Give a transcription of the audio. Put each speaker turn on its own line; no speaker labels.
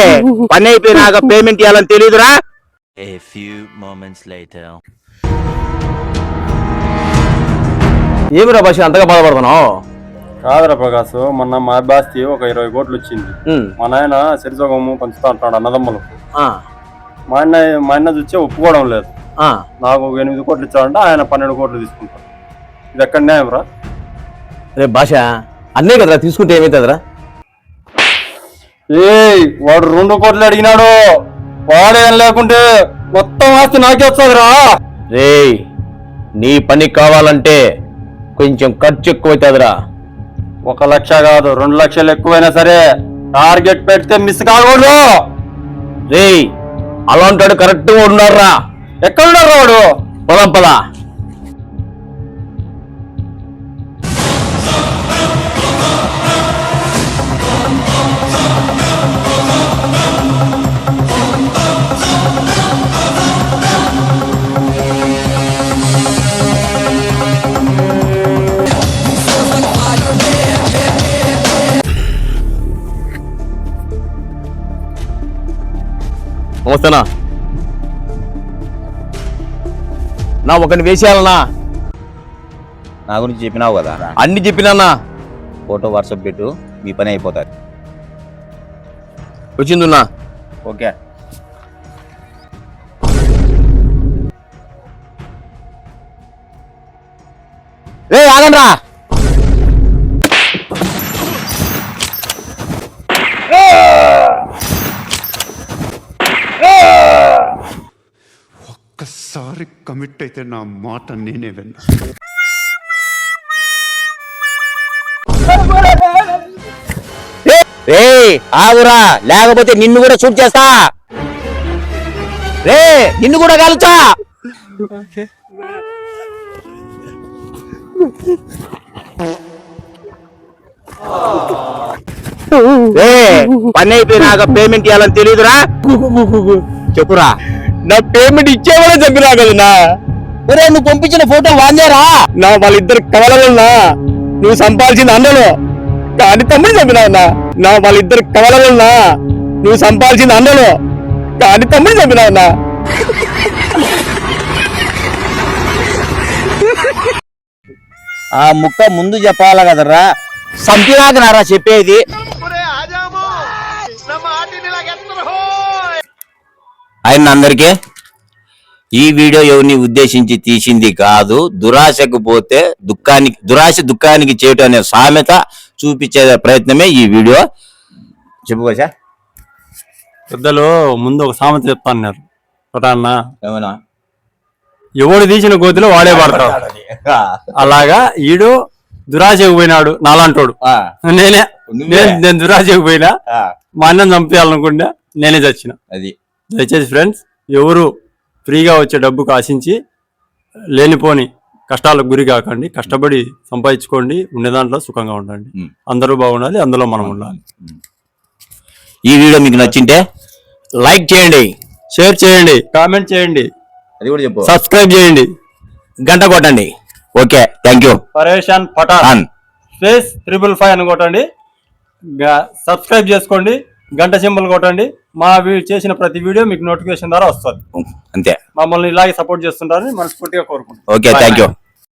పని అయిపోయినాక పేమెంట్ ఇవ్వాలని తెలియదురా?
A few moments later.
ఏమిరా భాష అంతగా బాధపడుతున్నావు?
కాదురా ప్రకాశ్, మొన్న మా అబ్బాస్కి ఒక 20 కోట్లు వచ్చింది. మా నాయన సరిసోగము పంచుతా అంటాడు అన్నదమ్ములు. మా అన్న చూస్తే ఒప్పుకోవడం లేదు. నాకు 8 కోట్లు ఇచ్చాడంటే ఆయన 12 కోట్లు తీసుకుంటాడు. ఇది ఎక్కడ న్యాయం రా?
రేపు భాష అన్నే కదరా తీసుకుంటే ఏమవుతుందిరా?
వాడు 2 కోట్లు అడిగినాడు. వాడేం లేకుంటే మొత్తం ఆస్తి నాకే వస్తుందిరా.
రే నీ పని కావాలంటే కొంచెం ఖర్చు ఎక్కువైతుందిరా.
1 లక్ష కాదు 2 లక్షలు ఎక్కువైనా సరే టార్గెట్ పెడితే మిస్ కాకూడదు.
రే అలాంటాడు కరెక్ట్గా ఉన్నారా?
ఎక్కడున్నారు వాడు?
పొలం పద. నమస్తేనా నా ఒకరిని వేసేయాలన్నా.
నా గురించి చెప్పినావు కదా,
అన్ని చెప్పినా.
ఫోటో వాట్సాప్ పెట్టు, మీ పని అయిపోతుంది.
వచ్చిందిన్నా.
ఓకే.
రే ఆగండ్రా.
ఒక్కసారి కమిట్ అయితే నా మాట నేనే విన్నా.
రే ఆగురా, లేకపోతే నిన్ను కూడా షూట్ చేస్తా. రే నిన్ను కూడా కాల్చా. పని అయిపోయినాక పేమెంట్ ఇవ్వాలని తెలియదురా? చెప్పురా. నా పేమెంట్ ఇచ్చేవాడే చంపినా కదన్నా. ఒరే నువ్వు పంపించిన ఫోటో వాందేరా? నా వాళ్ళిద్దరు కవలన్నా. నువ్వు సంపాదించింది అన్నలు కానీ తమ్ముడు చంపినావన్నా. నా వాళ్ళిద్దరు కవలన్నా. నువ్వు సంపాదించింది అన్నలు కానీ తమ్ముడు చంపినావన్నా.
ఆ ముక్క ముందు చెప్పాలా కదరా?
సంపినాక నారా చెప్పేది.
ఆయన అందరికీ ఈ వీడియో ఎవరిని ఉద్దేశించి తీసింది కాదు. దురాశకు పోతే దుఃఖానికి చేయటం అనే సామెత చూపించే ప్రయత్నమే ఈ వీడియో. చెప్పుకోసా.
పెద్దలు ముందు ఒక సామెత చెప్తాన్నారు అన్న,
ఏమన్నా
ఎవడు తీసిన గోతిలో వాడే పడతాడు. అలాగా ఈడు దురాశకు పోయినాడు నాలంటోడు. నేను దురాశకు పోయినా మా అన్నం చంపేయాలనుకుంటా నేనే చచ్చిన.
అది
దయచేసి ఫ్రెండ్స్ ఎవరు ఫ్రీగా వచ్చే డబ్బుకు ఆశించి లేనిపోని కష్టాలకు గురి కాకండి. కష్టపడి సంపాదించుకోండి, ఉండే దాంట్లో సుఖంగా ఉండండి. అందరూ బాగుండాలి, అందులో మనం ఉండాలి.
ఈ వీడియో మీకు నచ్చింటే
లైక్ చేయండి,
షేర్ చేయండి, కామెంట్ చేయండి,
అది కూడా చెప్పు,
సబ్స్క్రైబ్ చేయండి,
గంట కొట్టండి.
Okay, thank you.
పరేషాన్ పఠాన్ స్పేస్ 555 అని కొట్టండి. సబ్స్క్రైబ్ చేసుకోండి, గంట సింబల్ కొట్టండి. మా చేసిన ప్రతి వీడియో మీకు నోటిఫికేషన్ ద్వారా వస్తుంది.
అంతే.
మమ్మల్ని ఇలాగే సపోర్ట్ చేస్తుంటారని మనస్ఫూర్తిగా కోరుకుంటున్నాం.
Okay, thank you.